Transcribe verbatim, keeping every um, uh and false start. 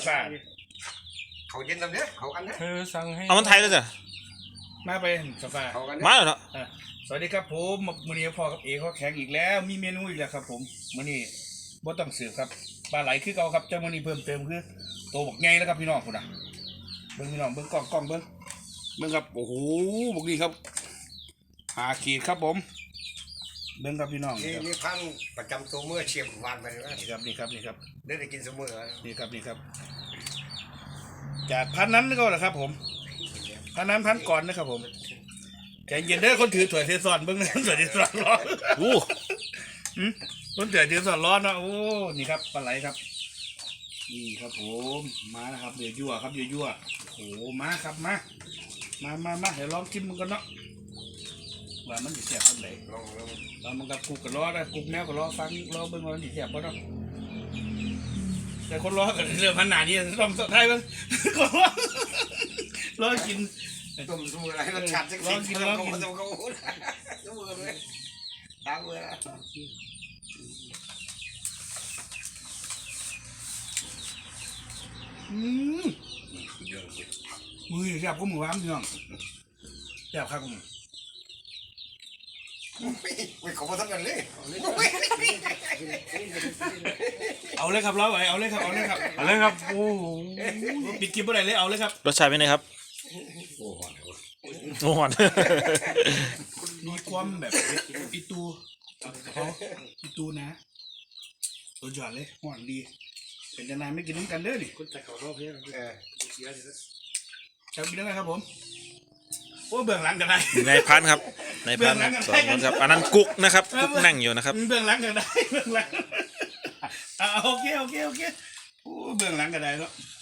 ฟ้าเขาเย็นตำเนี้ยเขากันนะเธอสั่งให้เอามันไทยแล้วจ้ะมาไปกาแฟเขากันมาแล้วเนาะอ่ะสวัสดีครับผมมื้อนี้พ่อกับเอเขาแข่งอีกแล้วมีเมนูอีกแล้วครับผมมื้อนี้บ่ต้องสืบครับปลาไหลคือเก่าครับแต่มื้อนี้เพิ่มเติมคือโตบักใหญ่แล้วครับพี่น้องพุ่นน่ะเบิ่งพี่น้องเบิ่งกล้องกล้องเบิ่งเบิ่งครับโอ้โหบักนี้ครับหาขีดครับผมเบิ่งครับพี่น้องนี่นี่พันประจำตัวเมื่อเชียงวานไปเลยนี่ครับนี่ครับนี่ครับได้ได้กินเสมอนี่ครับนี่ครับจากพันนั้นก็แหละครับผมพันนั้นพันก่อนนะครับผมใจเย็นเด้อคนถือถ้วยเทซอนเบิ่งนะถ้วยเทซอนร้อนโอ้หืมคนถือเทซอนร้อนนะโอ้นี่ครับปลาไหลครับนี่ครับผมมานะครับเดือดยั่วครับเดือดยั่วโอ้โหมาครับมามามามาเดี๋ยวลองกินมันกันเนาะว่ามันจะแซ่บอันไหนลองลองตอนมันกับกุกกับล้อนะกุกแมวกับล้อฟังล้อเบิ่งว่ามันจะแซ่บป่ะเนาะแต่คนล้อกับเรื่องพันหนานี่ต้องสุดท้ายมันคนล้อล้อกินต้มดูอะไรรสชาติสักทีลองกินลองกินเสมอเลยตามเวลาอืมมือแซ่บก็มือว้ามพี่น้องแซ่บครับผมไม่ขอมาทำกันเลยเอาเลยครับล้อไหวเอาเลยครับเอาเลยครับเอาเลยครับโอ้โหปิดคลิปเมื่อไหร่เลยเอาเลยครับรสชาติเป็นไงครับโอ้โหโอ้โหมีความแบบอีตูเขาอีตูนะตัวจอดเลยหวานดีเป็นยังไงไม่กินน้ำกันเด้อดิคุณแต่เขาชอบเพื่อนเออจะกินยังไงครับผมโอ้เบื้องหลังกันได้ในพันครับในพันสองคนครับอันนั้นกุ๊กนะครับกุ๊กนั่งอยู่นะครับเบื้องหลังกันได้เบื้องหลังอ่าโอเคโอเคโอเคโอ้เบื้องหลังกันได้เนาะ